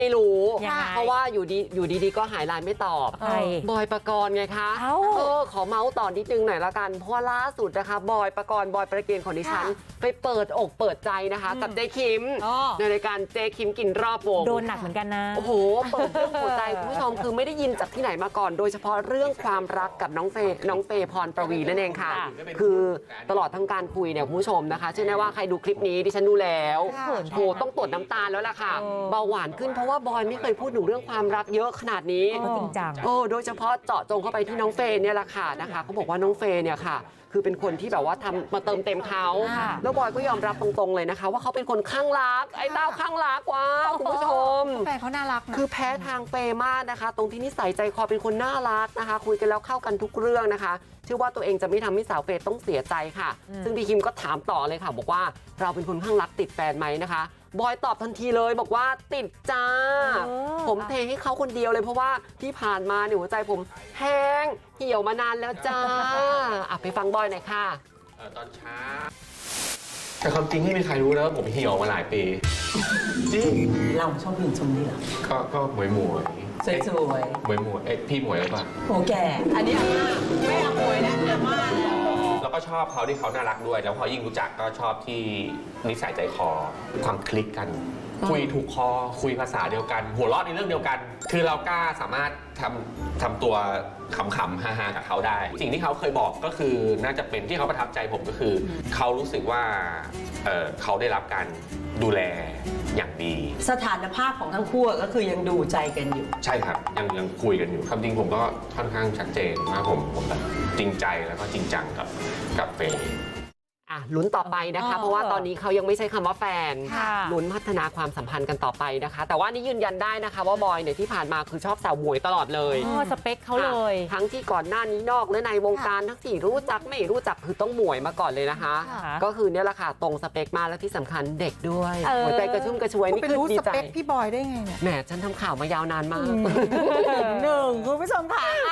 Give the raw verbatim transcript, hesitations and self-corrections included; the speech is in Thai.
ไม่รู้ยังไงเพราะว่าอยู่ดีอยู่ดีๆก็หายไลน์ไม่ตอบใครบอยปกรณ์ไงคะเอ้าเออขอเมาส์ต่อนิดนึงหน่อยละกัน เพราะว่าล่าสุดนะคะบอยปกรณ์บอยประเกณฑ์ของดิฉัน ไปเปิดอกเปิดใจนะคะ กับเจ๊คิมอ๋อในรายการเจ๊คิมกินรอบวงโดนหนักเหมือนกันนะโอ้โห เปิดเรื่องหัวใจคุณผู้ชมคือไม่ได้ยินจากที่ไหนมาก่อน โดยเฉพาะเรื่องความรักกับน้องเฟย์น้องเฟย์พรประวีนั่นเองค่ะค่ะคือตลอดทั้งการคุยเนี่ยคุณผู้ชมนะคะเชื่อแน่ว่าใครดูคลิปนี้ดิฉันดูแล้วเขินโหต้องตรวจน้ำตาลแล้วล่ะค่ะเออเบาหวานขึ้นเพราะว่าบอยไม่เคยพูดถึงเรื่องความรักเยอะขนาดนี้ก็จริงจังโอ้โดยเฉพาะเจาะจงเข้าไปที่น้องเฟย์เนี่ยแหละค่ะนะคะเขาบอกว่าน้องเฟย์เนี่ยค่ะ คือเป็นคนที่แบบว่าทำมาเติมเต็มเขาค่ะแล้วบอยก็ยอมรับตรงๆเลยนะคะ ว่าเขาเป็นคนข้างรัก ไอ้เต้าข้างรักว้าวคุณผู้ชมแฟนเขาน่ารักนะคือแพ้ทางเฟย์มากนะคะ ตรงที่นิสัยใจคอเป็นคนน่ารักนะคะ คุยกันแล้วเข้ากันทุกเรื่องนะคะเชื่อว่าตัวเองจะไม่ทำให้สาวเฟย์ต้องเสียใจค่ะ ซึ่งพี่คิมก็ถามต่อเลยค่ะ บอกว่าเราเป็นคนข้างรักติดแฟนไหมนะคะบอยตอบทันทีเลยบอกว่าติดจ้าเออผมเทให้เขาคนเดียวเลยเพราะว่าที่ผ่านมาเนี่ยหัวใจผมแห้งเหี่ยวมานานแล้วจ้าอ่ะไปฟังบอยหน่อยค่ะเอ่อตอนเช้าแต่ความจริงไม่มีใครรู้นะว่าผมเหี่ยวมาหลายปีจริงเราชอบผู้หญิงทรงนี้เหรอก็ก็หมวยหมวยสวยหมวยหมวยเอ๊ะพี่หมวยหรือเปล่าๆโหแก่ อันนี้อาม่าไม่อาหมวยแล้วอาม่าแล้วแล้วก็ชอบเขาที่เขาน่ารักด้วย แล้วพอยิ่งรู้จักก็ชอบที่นิสัยใจคอความคลิกกัน คุยถูกคอคุยภาษาเดียวกัน หัวเราะในเรื่องเดียวกัน คือเรากล้าสามารถทำทำตัวขำๆฮาๆกับเขาได้ สิ่งที่เขาเคยบอกก็คือน่าจะเป็นที่เขาประทับใจผมก็คือ เขารู้สึกว่าเอ่อเขาได้รับการดูแลอย่างดีสถานภาพของทั้งคู่ก็คือยังดูใจกันอยู่ใช่ครับ ยังยังคุยกันอยู่ความจริงผมก็ค่อนข้างชัดเจนว่าผมผมแบบจริงใจแล้วก็จริงจังกับกับเฟย์อ่ะลุ้นต่อไปนะคะเออเพราะว่าตอนนี้เขายังไม่ใช้คำว่าแฟนค่ะลุ้นพัฒนาความสัมพันธ์กันต่อไปนะคะ แต่ว่านี่ยืนยันได้นะคะว่าบอยเนี่ยที่ผ่านมาคือชอบสาวหมวยตลอดเลยอ๋อสเปคเขาเลยค่ะทั้งที่ก่อนหน้านี้นอกและในวงการทั้งที่รู้จักไม่รู้จักคือต้องหมวยมาก่อนเลยนะคะค่ะก็คือเนี่ยแหละค่ะตรงสเปคมากและที่สำคัญเด็กด้วยเออหัวใจกระชุ่มกระชวยคุณนี่ไปคือรู้ดีสใจเปคพี่บอยได้ไงเนี่ยแหมฉันทำข่าวมายาวนานมากหนึ่งคุณผู้ชมค่ะ